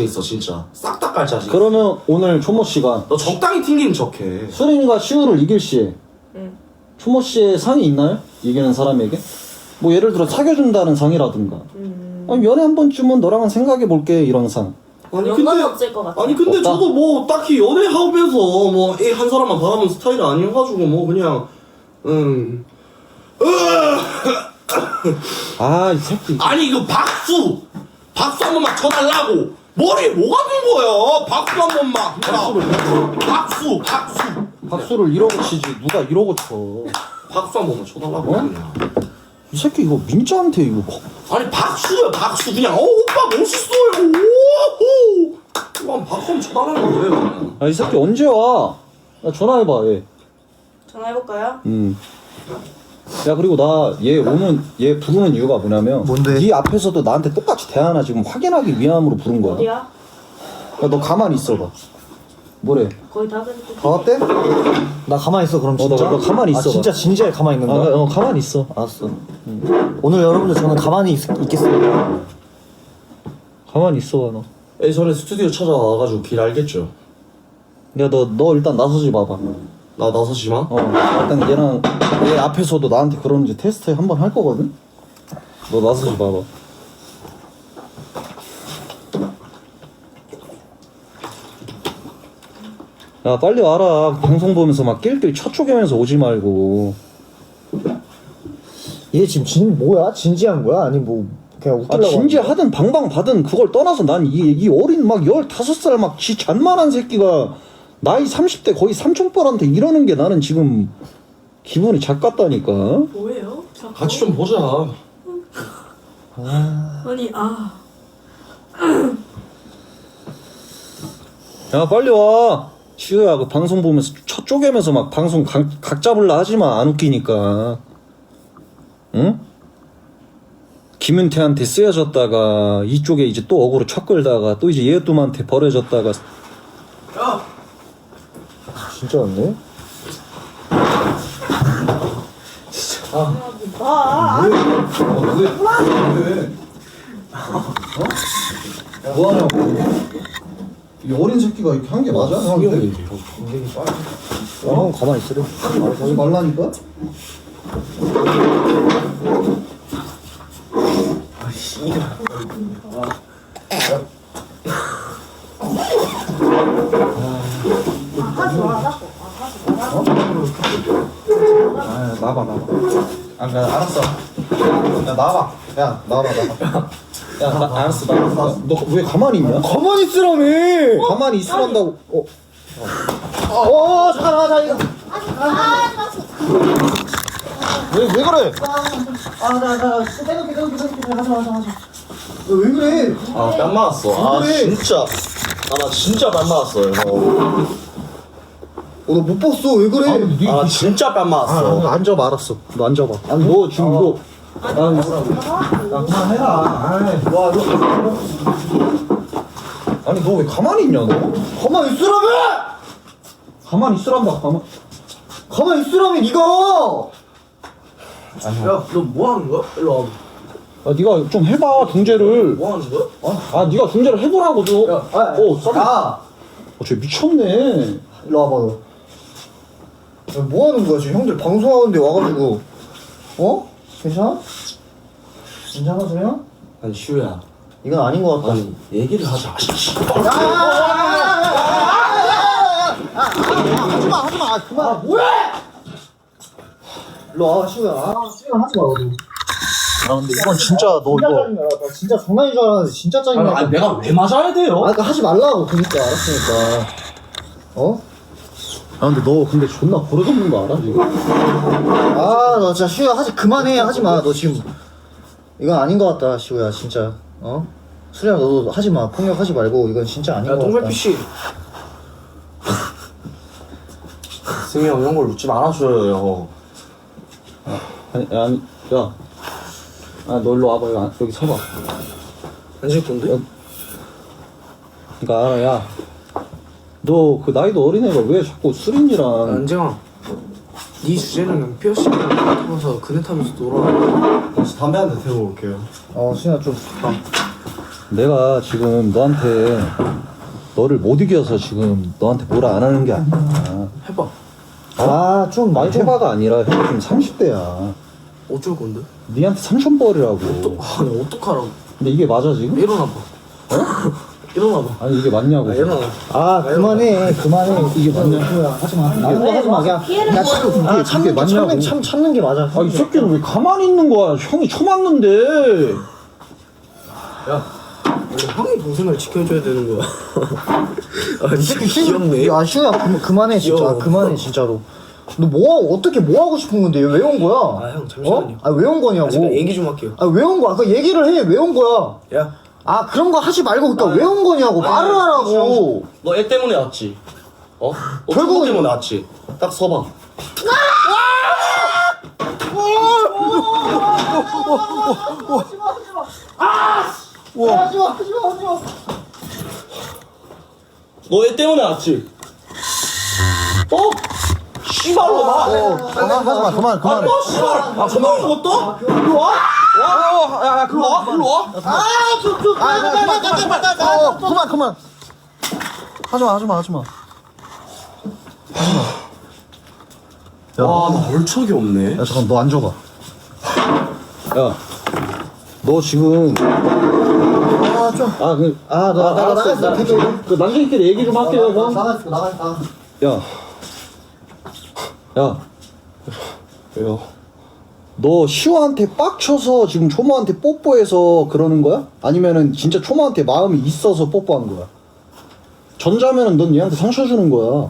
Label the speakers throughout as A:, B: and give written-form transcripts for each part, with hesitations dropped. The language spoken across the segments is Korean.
A: 있어 진짜. 싹 다 깔 자식.
B: 그러면 오늘 초모 씨가
A: 너 적당히 튕기는 척해.
B: 수린이가 시우를 이길 시에 초모 씨의 상이 있나요? 이기는 사람에게? 뭐 예를 들어 사귀어준다는 상이라든가 아니 연애 한 번쯤은 너랑은 생각해볼게 이런 상.
A: 아니
C: 연관이 없을 것 같아.
A: 아니 근데
B: 없다?
A: 저도 뭐 딱히 연애하면서 뭐 한 사람만 바라보는 스타일이 아니어가지고 뭐 그냥
B: 아 이 새끼.
A: 아니 이거 박수 한 번만 쳐달라고. 머리에 뭐가 든 거야? 박수 한 번만. 박수.
B: 박수를 이러고 치지 누가 이러고 쳐.
A: 박수 한 번만 쳐달라고.
B: 어?
A: 그냥.
B: 이 새끼 이거 민자한테 이거
A: 아니 박수야 박수 그냥 오빠 멋있어요. 오호. 이거 박수 한번 쳐달라는 거예요. 그냥.
B: 아 이 새끼 언제 와? 나 전화해봐 얘.
C: 전화해볼까요?
B: 야 그리고 나 얘 부르는 이유가 뭐냐면
D: 뭔데?
B: 네 앞에서도 나한테 똑같이 대하나 지금 확인하기 위함으로 부른 거야.
C: 어디야?
B: 야, 너 가만히 있어봐. 뭐래?
C: 거의 다 됐는데.
D: 다 왔대? 나 가만히 있어 그럼 진짜?
B: 너 가만히 있어봐.
D: 아 진짜 진지하게 가만히 있는 거야?
B: 가만히 있어.
D: 알았어. 오늘 여러분들 저는 가만히 있겠습니다.
B: 가만히 있어봐 너.
A: 예전에 스튜디오 찾아와가지고 길 알겠죠?
B: 야 너 일단 나서지 봐봐.
A: 나 나서지 마.
B: 일단 얘 앞에서도 나한테 그러는지 테스트 한번 할 거거든. 너 나서지 봐봐. 야 빨리 와라. 방송 보면서 막 낄낄 첫 쪼개면서 오지 말고.
D: 얘 지금 뭐야? 진지한 거야? 아니 뭐 그냥
B: 아
D: 웃기려고
B: 진지하든 방방받든 그걸 떠나서 난 이 어린 막 15살 막 지 잔만한 새끼가 나이 30대 거의 삼촌뻘한테 이러는 게 나는 지금 기분이 작같다니까.
C: 뭐예요? 자꾸?
A: 같이 좀 보자.
C: 아니
B: 야 빨리 와. 시우야 그 방송 보면서 첫 쪼개면서 막 방송 각 잡을라 하지마. 안 웃기니까. 응? 김윤태한테 쓰여졌다가 이쪽에 이제 또 어그로 첫 끌다가 또 이제 얘또한테 버려졌다가.
A: 야.
D: 진짜 왔네?
B: 뭐하냐고. 이 어린 새끼가 이렇게 한 게 맞아? 형한테?
D: 형 가만히 있으래.
B: 하지 말라니까? 나봐. 알았어. 야, 나와봐. 야, 나와봐. 야, 알았어. 너 왜 가만히 있냐?
D: 가만히 있으라며!
B: 가만히 있으란다고.
D: 잠깐만, 이거.
B: 왜 그래?
D: 왜 그래?
A: 뺨 맞았어.
D: 그래.
A: 진짜. 나 진짜 뺨 맞았어요.
D: 너 못 봤어, 왜 그래?
A: 나 진짜 뺨 맞았어.
B: 너 앉아봐, 알았어. 너 앉아봐. 아니, 너 지금 너. 야, 그만해라. 아니, 너 왜 가만히 있냐, 너?
D: 가만히 있으라며!
B: 가만히 있으란다,
D: 가만히 있으라며, 니가!
A: 야, 너 뭐 하는 거야? 일로 와.
B: 야, 네가 좀 해봐, 중재를.
A: 뭐 하는 거야?
B: 네가 중재를 해보라고, 너.
D: 야!
B: 쟤 미쳤네.
D: 일로 와봐, 너. 야, 뭐 하는 거야, 지금 형들 방송하는데 와가지고. 괜찮아? 괜찮아, 소리야?
A: 아니, 슈야.
D: 이건 아닌 것 같다.
A: 아니, 얘기를 하자.
D: 하지마, 그만. 뭐야! 일로 와, 시우야. 시우야, 하지마, 너도.
B: 근데 이건 진짜 너
D: 진짜
B: 이거.
D: 짜증나. 나 진짜 장난인 줄 알았는데, 진짜 짜증나.
A: 아니, 내가 왜 맞아야 돼요?
D: 그러니까 하지 말라고, 그니까, 알았으니까.
B: 근데 너 근데 존나 버릇없는 거 알아, 지금?
D: 너 진짜 시우야, 그만해, 하지마. 너 지금, 이건 아닌 것 같다, 시우야, 진짜. 수리야, 너도 하지마. 폭력하지 말고, 이건 진짜 아닌
A: 야,
D: 것 같다.
A: 동백 PC. 승희 형, 이런 걸 웃지 말아줘요.
B: 아니, 야. 너 일로 와봐. 여기 서봐.
A: 앉을 건데?
B: 그니까, 야. 너 그 나이도 어린애가 왜 자꾸 수린이랑.
E: 안정아, 네 주제는 피어싱 하면서 그네 타면서 놀아.
A: 다시 담배 한 대 태우고 올게요.
D: 수리야, 좀.
B: 내가 지금 너한테 너를 못 이겨서 지금 너한테 뭐라 안 하는 게 아니야.
E: 해봐.
D: 아, 좀
B: 많이 해봐가 아니라 형 지금 30대야.
E: 어쩔 건데?
B: 니한테 삼촌벌이라고.
E: 아, 나 어떡하라고.
B: 근데 이게 맞아 지금?
E: 일어나봐. 일어나봐.
B: 아니 이게 맞냐고.
E: 일어나.
D: 아, 그만해. 이게
B: 맞냐?
D: 하지마. 하지마. 그냥.
C: 피해를
D: 야,
C: 보여줘.
D: 아, 참는
B: 맞냐고.
D: 참는 게 맞아.
B: 아 이 새끼는 왜 가만히 있는 거야? 형이 쳐맞는데.
E: 야, 원래 형이 동생을 지켜줘야 되는 거야. 아, 진짜 귀엽네.
D: 야, 시우야, 그만해, 진짜.
E: 귀여워.
D: 그만해, 진짜로. 너 어떻게 뭐 하고 싶은 건데? 왜 온 거야?
E: 아, 형, 잠시만요.
D: 아, 왜 온 거냐고.
E: 제가 얘기 좀 할게요.
D: 아, 왜 온 거야? 그 얘기를 해. 왜 온 거야?
E: 야,
D: 아, 그런 거 하지 말고, 그러니까 왜 온 거냐고. 말을 하라고.
A: 너 애 때문에 왔지? 너
D: 결국은-
A: 결국 때문에 왔지? 딱 서봐.
D: 하지마.
A: 너 애 때문에 왔지? 씨발로 나.
B: 하지마 그만.
A: 너 씨발. 그만 먹었다? 일로 와. 야, 글로 와. 일로 와.
B: 그만. 하지마.
A: 와, 나 얼척이 없네.
B: 야 잠깐 너 앉아봐. 야, 너 지금
D: 나갔어.
B: 그 남자끼리 얘기 좀 할게요 형.
D: 나갔어.
B: 야,
A: 왜요?
B: 너 시호한테 빡쳐서 지금 초모한테 뽀뽀해서 그러는 거야? 아니면은 진짜 초모한테 마음이 있어서 뽀뽀한 거야? 전자면은 넌 얘한테 상처 주는 거야.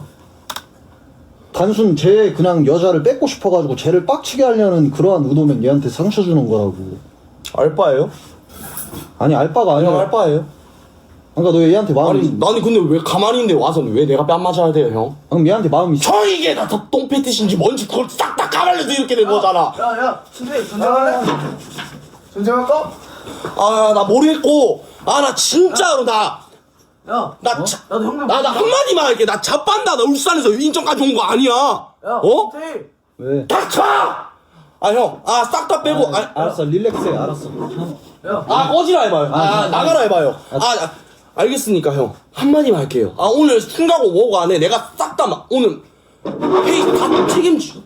B: 단순 쟤 그냥 여자를 뺏고 싶어가지고 쟤를 빡치게 하려는 그러한 의도면 얘한테 상처 주는 거라고.
A: 알바예요?
B: 아니 알바가 아니라
A: 알바예요?
B: 그러니까 너 얘한테 마음이
A: 아니, 나는 근데 왜 가만히 있는데 와서 왜 내가 뺨 맞아야 돼요, 형?
B: 그럼 얘한테 마음이 있어.
A: 형 이게 다 똥패티신지 뭔지 그걸 싹 다 까발려서 이렇게 된 거잖아.
E: 야, 선생님, 전쟁할래? 전쟁할까?
A: 아, 나 모르겠고. 아, 나 진짜로 나
E: 야,
A: 나 자,
E: 나도 형님
A: 나 한마디만 할게. 나 자빤다. 나 울산에서 인천까지 온 거 아니야.
E: 야,
A: 어?
E: 선생님.
B: 왜?
A: 닥쳐! 아, 형. 아, 싹 다 빼고.
B: 알았어 릴렉스해 알았어.
A: 꺼지라 해봐요. 나가라 해봐요. 알겠으니까, 형. 한마디만 할게요. 아, 오늘 승가고 뭐고 안 해. 내가 싹 다 오늘 회의 다 책임지.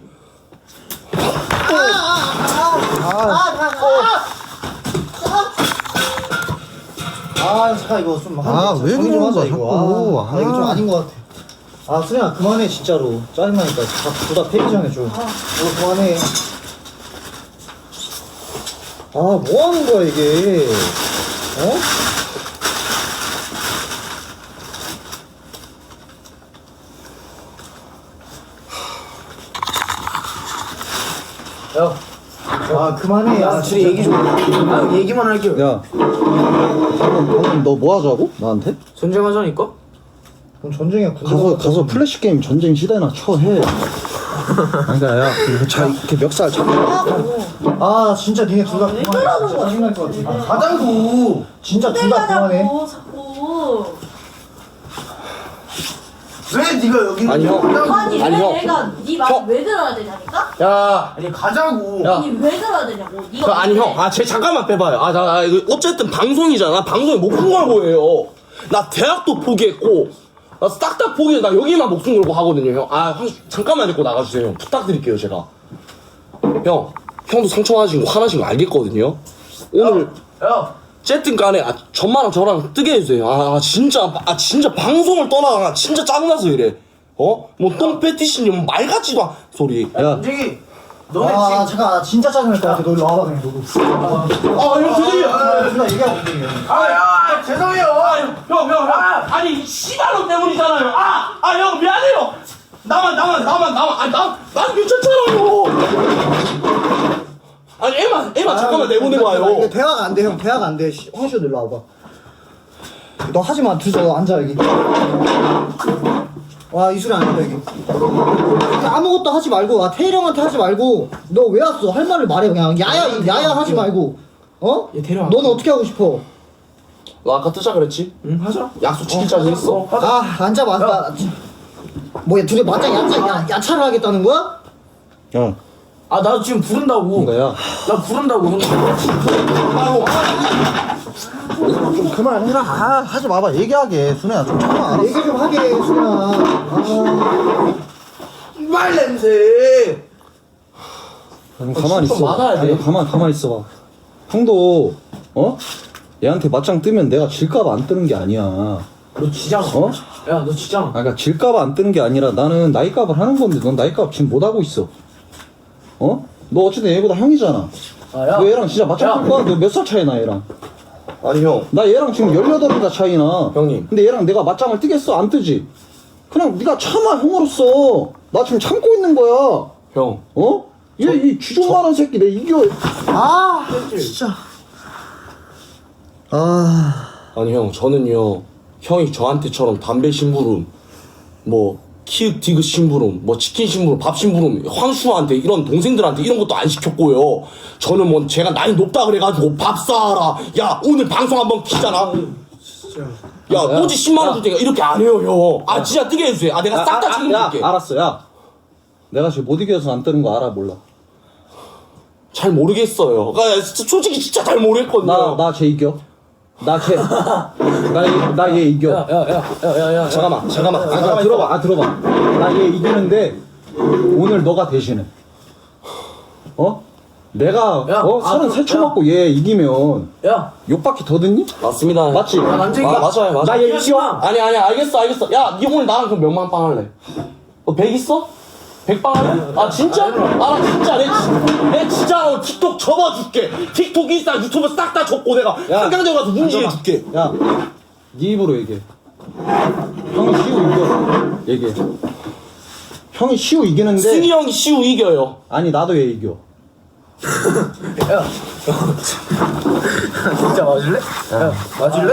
D: 잠깐 이거 좀.
B: 왜
D: 정리 좀
B: 그러는
D: 하자,
B: 거야,
D: 이거.
B: 자꾸.
D: 이거 좀 아닌 것 같아. 아, 수련아, 그만해, 진짜로. 짜증나니까. 둘다 폐기장해줘. 이거 그만해. 아, 뭐 하는 거야, 이게. 어?
E: 야,
D: 아, 그만해. 아,
E: 둘이 얘기 좀. 아, 얘기만 할게요.
B: 야, 방금 너 뭐 하자고? 나한테?
E: 전쟁하자니까?
D: 그럼 전쟁이야.
B: 가서 플래시 게임 전쟁 시대나 쳐 해. 그러니까 야, 잘 이렇게 멱살 잡고.
D: 아, 진짜 니네 둘 다
C: 왜
D: 그만해.
C: 그러는
D: 진짜
C: 거야?
D: 짜증날 것 같아. 아, 가자고. 진짜 둘 다 그만해.
C: 내가자고 자꾸.
E: 왜 네가 여기
A: 아니, 형.
C: 아니,
A: 아니,
C: 왜
A: 형.
C: 내가 네 말 왜 들어야 되냐니까?
A: 야.
E: 아니 가자고.
A: 야.
C: 아니 왜 들어야 되냐고. 네가
A: 아니,
C: 뭔데?
A: 형. 아, 쟤 잠깐만 빼봐요. 이거 어쨌든 방송이잖아. 방송에 목숨 걸고 해요. 나 대학도 포기했고, 나 싹 다 포기해. 나 여기만 목숨 걸고 하거든요, 형. 잠깐만 데리고 나가주세요, 형. 부탁드릴게요, 제가. 형, 형도 상처받으신 거, 화나신 거 알겠거든요? 오늘,
E: 야,
A: 어쨌든 간에, 전마랑 저랑 뜨게 해주세요. 진짜 방송을 떠나가. 진짜 짜증나서 이래. 뭐, 똥패티시니, 말 같지도 않은 소리.
B: 야,
E: 전쟁이. 너네
D: 아,
E: 지금.
D: 잠깐. 나 진짜 짜증날 것 같아. 너 일로 와봐, 그냥 너도.
A: 형, 죄송해요.
D: 누나 얘기하고 있네.
E: 아, 죄송해요.
A: 형. 아니, 이 씨발로 때문이잖아요. 형, 미안해요. 나만. 난 괜찮잖아요. 아니, 애만 잠깐만 내보내고
D: 이거
A: 와요.
D: 대화가 안 돼, 형. 대화가 안 돼. 황시호 일로 와봐. 너 하지 마. 둘이서 앉아, 여기. 와, 이 소리 안 된다, 여기. 아무것도 하지 말고, 태일 형한테 하지 말고, 너 왜 왔어? 할 말을 말해, 그냥. 야야 하지 말고. 어?
E: 얘 데려와.
D: 너는 어떻게 하고 싶어?
A: 너 아까 뜨자 그랬지?
E: 응, 하자.
A: 약속 지키자고 했어.
D: 아, 앉아봐. 뭐야, 둘이 맞짱 야차를 하겠다는 거야?
B: 야,
E: 아 나 지금 부른다고.
B: 뭔가야?
E: 나 부른다고 형.
B: 좀 그만해라. 아, 하지 마봐. 얘기하게. 순애야 좀 참아. 알았어.
D: 얘기 좀 하게 수현아. 아.
E: 말 냄새.
B: 좀 가만히
A: 좀
B: 있어.
A: 막아야 돼.
B: 아니, 가만히 있어봐. 형도 얘한테 맞짱 뜨면 내가 질까봐 안 뜨는 게 아니야.
E: 너 지잖아.
B: 어?
E: 야 너 지잖아.
B: 그러니까 질까봐 안 뜨는 게 아니라 나는 나이값을 하는 건데 넌 나이값 지금 못 하고 있어. 너 어쨌든 얘보다 형이잖아.
E: 아, 야.
B: 너 얘랑 진짜 맞짱
E: 야.
B: 뜰 거야? 너 몇 살 차이 나 얘랑?
A: 아니 형.
B: 나 얘랑 지금 18살 차이나.
A: 형님.
B: 근데 얘랑 내가 맞짱을 뜨겠어? 안 뜨지? 그냥 네가 참아 형으로서. 나 지금 참고 있는 거야.
A: 형.
B: 얘 이 쥐좀만한 새끼 내 이겨.
D: 아 진짜. 아.
A: 아니 형 저는요 형이 저한테처럼 담배 심부름 뭐 키읔 디귿 심부름 뭐 치킨 심부름 밥 심부름 황수한테 이런 동생들한테 이런 것도 안 시켰고요. 저는 뭐 제가 나이 높다 그래가지고 밥 사라 야 오늘 방송 한번 키잖아 야 오지 10만원 줄 테니까 이렇게 안 해요 형. 아 진짜 뜨게 해주세요. 아 내가 싹 다 책임질게.
B: 알았어 야. 내가 지금 못 이겨서 안 뜨는 거 알아 몰라?
A: 잘 모르겠어요. 그러니까 진짜 솔직히 진짜 잘 모르겠거든요.
B: 나 쟤 이겨. 나 얘 이겨.
E: 야야야야야야.
A: 잠깐만
B: 들어봐. 나 얘 이기는데 오늘 너가 대신해. 내가
E: 야,
B: 33초
E: 야.
B: 맞고 얘 이기면
E: 야.
B: 욕밖에 더 듣니?
A: 맞습니다.
B: 맞지?
E: 야, 난쟁이야.
A: 맞아요.
B: 나 얘 이겨.
A: 아니 알겠어. 야, 니 오늘 나랑 그럼 몇만 빵 할래? 100 있어? 100빵 할래? 아 진짜? 아 나 진짜 내 진짜 틱톡 접어줄게. 틱톡 인스타 유튜브 싹 다 접고 내가 한강대 가서 문지해줄게.
B: 야, 네 입으로 얘기해. 형이 시우 이겨. 얘기해. 형이 시우 이기는데
A: 승희 형이 시우 이겨요.
B: 아니 나도 얘 이겨.
E: 야. 진짜 맞을래? 야 맞을래?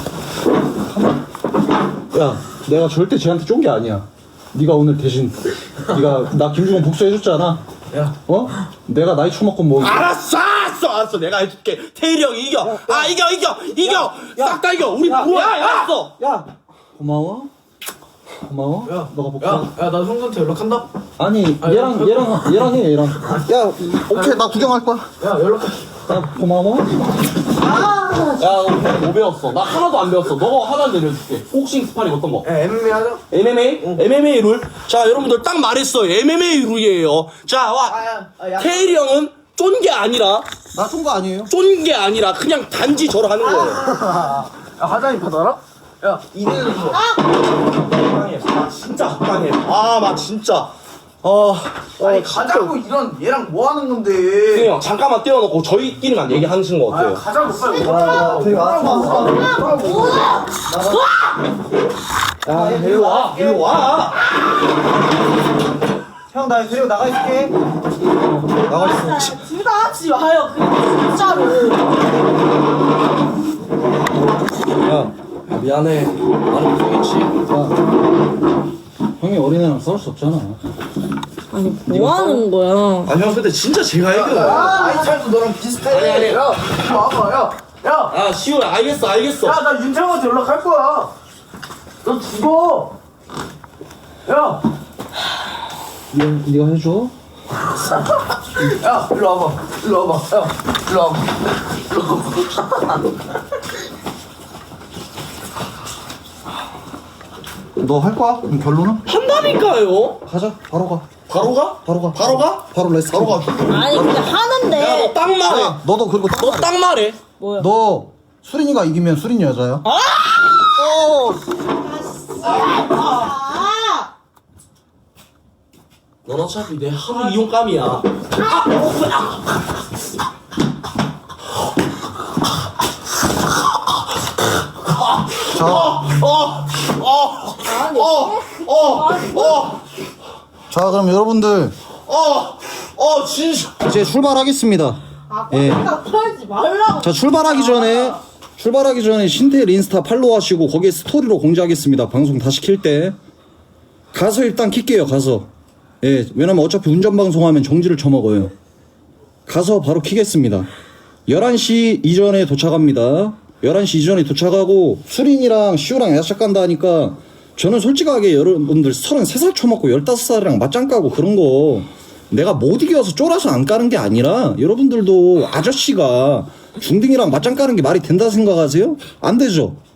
B: 야, 내가 절대 쟤한테 쫀 게 아니야. 네가 오늘 대신 네가 나 김중원 복수해줬잖아.
E: 야.
B: 내가 나이 처먹고 뭐
A: 알았어. 내가 해줄게. 태일이 형이 이겨. 아 이겨. 싹 다 이겨. 우리 부어. 알았어.
B: 야, 고마워.
E: 야.
B: 너가 복수.
E: 야나 형한테 연락한다.
B: 아니 얘랑 해 얘랑. 야, 오케이 나 구경할 거야.
E: 야 연락해.
B: 야, 고마워.
A: 야, 너 뭐 배웠어? 나 하나도 안 배웠어. 너가 하나 내려줄게. 복싱 스파링 어떤 거?
E: 야 MMA 하자.
A: MMA? MMA 룰? 자, 여러분들 딱 말했어요. MMA 룰이에요. 자, 와.
E: 야.
A: 태일이 형은 쫀 게 아니라,
B: 나 쏜 거 아니에요?
A: 쫀 게 아니라 그냥 단지 저를 하는 거예요.
E: 야 하자니 받아라. 야 이대는 거.
A: 적당해. 아, 진짜 적당해. 아, 나 진짜.
E: 아니 가자고 이런 얘랑 뭐 하는 건데?
A: 승희 형, 잠깐만 떼어놓고 저희끼리만 얘기하시는 거 어때요?
E: 가자고 빨리.
D: 되게
A: 야, 일로 와. 일로 와.
D: 형 나 데리고 나가 있을게. 나가 있어.
C: 둘 다 하지 마요. 그냥 진짜로.
B: 야,
A: 미안해. 나는 못하겠지.
B: 형이 어린애랑 싸울 수 없잖아.
C: 아니 뭐 하는 거야?
A: 아, 형, 근데 진짜 제가 이겨.
E: 아이 차도 너랑 비슷해.
A: 아니.
E: 야 이리 와봐. 야.
A: 아, 시우야, 알겠어.
E: 야 나 윤창호한테 연락할 거야. 너 죽어. 야.
B: 네가 해줘.
E: 야 일로 와봐. 야 일로 와봐.
B: 너 할 거야? 그럼 결론은?
A: 한다니까요.
B: 가자. 바로 가.
A: 바로 가?
B: 바로 가.
A: 바로 가?
B: 바로 레스.
A: 바로 가.
C: 아니 근데
A: 야,
C: 하는데.
A: 너 딱 말해.
B: 너도 그리고
A: 너 딱 말해.
C: 뭐야?
B: 너 수린이가 이기면 수린이 여자야?
A: 넌 어차피 내 하루 이용감이야.
B: 자, 그럼 여러분들
A: 진짜.
B: 이제 출발하겠습니다. 예.
C: 털지 말라고.
B: 자, 출발하기 전에 신태일 인스타 팔로우하시고 거기에 스토리로 공지하겠습니다. 방송 다시 킬 때. 가서 일단 킬게요. 가서. 예, 왜냐면 어차피 운전 방송하면 정지를 쳐먹어요. 가서 바로 키겠습니다. 11시 이전에 도착합니다. 11시 이전에 도착하고 수린이랑 시우랑 야식 간다 하니까 저는 솔직하게 여러분들 33살 쳐먹고 15살이랑 맞짱 까고 그런 거 내가 못 이겨서 쫄아서 안 까는 게 아니라 여러분들도 아저씨가 중딩이랑 맞짱 까는 게 말이 된다 생각하세요? 안 되죠.